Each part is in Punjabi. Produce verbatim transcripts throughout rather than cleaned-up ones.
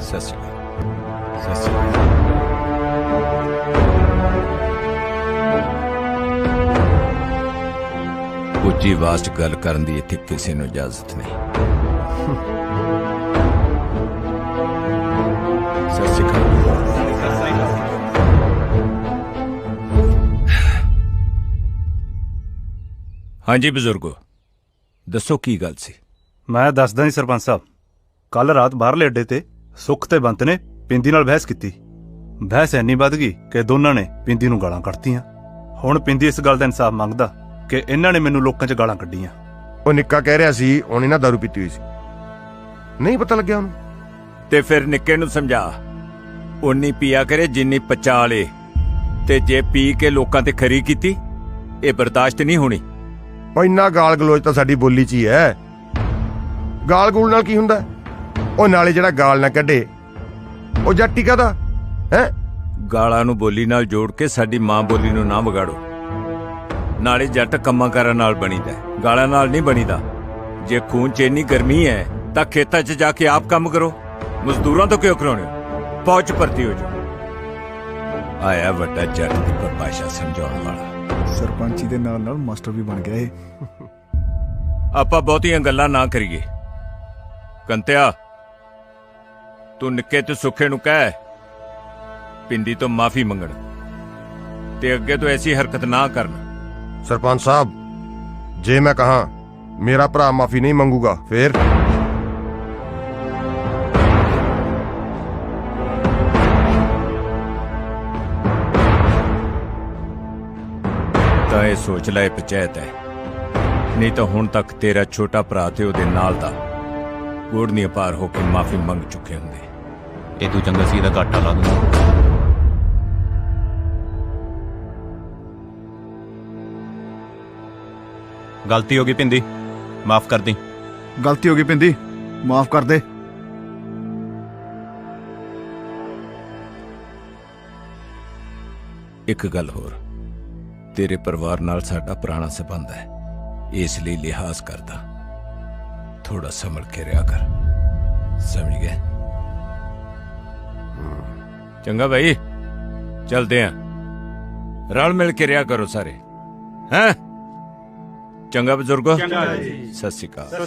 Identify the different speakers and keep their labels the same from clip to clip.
Speaker 1: ਸਤਿ ਸ਼੍ਰੀ ਅਕਾਲ। ਸਤਿ ਸ਼੍ਰੀ ਅਕਾਲ। ਉੱਚੀ ਆਵਾਜ਼ 'ਚ ਗੱਲ ਕਰਨ ਦੀ ਇੱਥੇ ਕਿਸੇ ਨੂੰ ਇਜਾਜ਼ਤ ਨਹੀਂ। ਸਤਿ ਸ਼੍ਰੀ ਅਕਾਲ। ਹਾਂਜੀ ਬਜ਼ੁਰਗੋ, ਦੱਸੋ ਕੀ ਗੱਲ ਸੀ?
Speaker 2: ਮੈਂ ਦੱਸਦਾ ਜੀ ਸਰਪੰਚ ਸਾਹਿਬ, ਕੱਲ ਰਾਤ ਬਾਹਰਲੇ ਅੱਡੇ ਤੇ ਸੁੱਖ ਤੇ ਬੰਤ ਨੇ ਪਿੰਦੀ ਨਾਲ ਬਹਿਸ ਕੀਤੀ। ਬਹਿਸ ਇੰਨੀ ਵੱਧ ਗਈ ਕਿ ਦੋਨਾਂ ਨੇ ਪਿੰਦੀ ਨੂੰ ਗਾਲਾਂ ਕੱਢਤੀਆਂ। ਹੁਣ ਪਿੰਦੀ ਇਸ ਗੱਲ ਦਾ ਇਨਸਾਫ ਮੰਗਦਾ ਕਿ ਇਹਨਾਂ ਨੇ ਮੈਨੂੰ ਲੋਕਾਂ 'ਚ ਗਾਲਾਂ ਕੱਢੀਆਂ।
Speaker 3: ਉਹ ਨਿੱਕਾ ਕਹਿ ਰਿਹਾ ਸੀ ਉਹਨੇ ਨਾ ਦਾਰੂ ਪੀਤੀ ਹੋਈ ਸੀ, ਨਹੀਂ ਪਤਾ ਲੱਗਿਆ ਉਹਨੂੰ।
Speaker 1: ਤੇ ਫਿਰ ਨਿੱਕੇ ਨੂੰ ਸਮਝਾ, ਉਨੀ ਪੀਆ ਕਰੇ ਜਿੰਨੀ ਪਚਾ ਲੇ, ਤੇ ਜੇ ਪੀ ਕੇ ਲੋਕਾਂ ਤੇ ਖਰੀ ਕੀਤੀ, ਇਹ ਬਰਦਾਸ਼ਤ ਨਹੀਂ ਹੋਣੀ।
Speaker 3: ਉਹ ਇੰਨਾ ਗਾਲ ਗਲੋਚ ਤਾਂ ਸਾਡੀ ਬੋਲੀ 'ਚ ਹੀ ਹੈ। ਗਾਲ ਗੂਲ ਨਾਲ ਕੀ ਹੁੰਦਾ? ਉਹ ਨਾਲੇ ਜਿਹੜਾ ਗਾਲ ਨਾ ਕੱਢੇ ਉਹ ਜੱਟੀ ਕਾਹਦਾ ਹੈ?
Speaker 1: ਗਾਲਾਂ ਨੂੰ ਬੋਲੀ ਨਾਲ ਜੋੜ ਕੇ ਸਾਡੀ ਮਾਂ ਬੋਲੀ ਨੂੰ ਨਾ ਵਿਗਾੜੋ। ਨਾਲੇ ਜੱਟ ਕੰਮਾਂ ਕਾਰਾਂ ਨਾਲ ਬਣੀਦਾ, ਗਾਲਾਂ ਨਾਲ ਨਹੀਂ ਬਣੀਦਾ। ਜੇ ਖੂਨ 'ਚ ਇੰਨੀ ਗਰਮੀ ਹੈ ਤਾਂ ਖੇਤਾਂ 'ਚ ਜਾ ਕੇ ਆਪ ਕੰਮ ਕਰੋ, ਮਜ਼ਦੂਰਾਂ ਤੋਂ ਕਿਉਂ ਕਰਾਉਣੇ ਹੋ? ਫੌਜ 'ਚ ਭਰਤੀ ਹੋ ਜਾਓ। ਆਇਆ ਵੱਡਾ ਜੱਟ ਦੀ ਪਰਿਭਾਸ਼ਾ ਸਮਝਾਉਣ ਵਾਲਾ।
Speaker 4: ਸਰਪੰਚੀ ਦੇ ਨਾਲ ਨਾਲ ਮਾਸਟਰ ਵੀ ਬਣ ਗਿਆ ਇਹ।
Speaker 1: ਆਪਾਂ ਬਹੁਤੀਆਂ ਗੱਲਾਂ ਨਾ ਕਰੀਏ। ਕੰਤਿਆ, ਤੂੰ ਨਿੱਕੇ ਤੇ ਸੁੱਖੇ ਨੂੰ ਕਹਿ ਪਿੰਦੀ ਤੋਂ ਮਾਫੀ ਮੰਗਣ, ਤੇ ਅੱਗੇ ਤੋਂ ਐਸੀ ਹਰਕਤ ਨਾ ਕਰਨ।
Speaker 3: ਸਰਪੰਚ ਸਾਹਿਬ, ਜੇ ਮੈਂ ਕਹਾਂ ਮੇਰਾ ਭਰਾ ਮਾਫੀ ਨਹੀਂ ਮੰਗੂਗਾ ਫੇਰ?
Speaker 1: ਤਾਂ ਇਹ ਸੋਚ ਲੈ ਪੰਚਾਇਤ ਹੈ, ਨਹੀਂ ਤਾਂ ਹੁਣ ਤੱਕ ਤੇਰਾ ਛੋਟਾ ਭਰਾ ਤੇ ਉਹਦੇ ਨਾਲ ਦਾ ਗੋੜਨੀਆਂ ਪਾਰ ਹੋ ਕੇ ਮਾਫੀ ਮੰਗ ਚੁੱਕੇ ਹੁੰਦੇ।
Speaker 5: ਇਹ ਤੂੰ ਚੰਗਾ ਸੀ ਇਹਦਾ ਘਾਟਾ ਲਾ ਦੂੰਗਾ। ਗਲਤੀ ਹੋ ਗਈ ਪਿੰਦੀ, ਮਾਫ ਕਰ ਦੀ।
Speaker 4: ਗਲਤੀ ਹੋ ਗਈ ਪਿੰਦੀ, ਮਾਫ ਕਰ ਦੇ।
Speaker 1: ਇੱਕ ਗੱਲ ਹੋਰ, ਤੇਰੇ ਪਰਿਵਾਰ ਨਾਲ ਸਾਡਾ ਪੁਰਾਣਾ ਸੰਬੰਧ ਹੈ, ਇਸ ਲਈ ਲਿਹਾਜ਼ ਕਰਦਾ। ਥੋੜਾ ਸੰਭਲ ਕੇ ਰਿਹਾ ਕਰ, ਸਮਝ ਗਏ? ਚੰਗਾ ਭਾਈ, ਚਲਦੇ ਆਂ। ਰਲ ਮਿਲ ਕੇ ਰਿਹਾ ਕਰੋ ਸਾਰੇ, ਹੈਂ? ਚੰਗਾ ਬਜ਼ੁਰਗੋ, ਸਤਿ ਸ਼੍ਰੀ ਅਕਾਲ।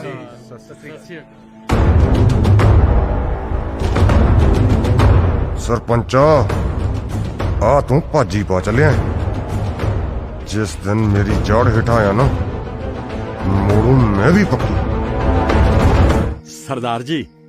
Speaker 3: ਸਰਪੰਚਾ, ਆ ਤੂੰ ਭਾਜੀ ਪਾ ਚੱਲਿਆ। ਜਿਸ ਦਿਨ ਮੇਰੀ ਜੜ ਹੇਠਾਂ ਆਇਆ ਨਾ, ਮੋੜੂ ਮੈਂ ਵੀ ਪੱਕੀ।
Speaker 6: सरदार जी,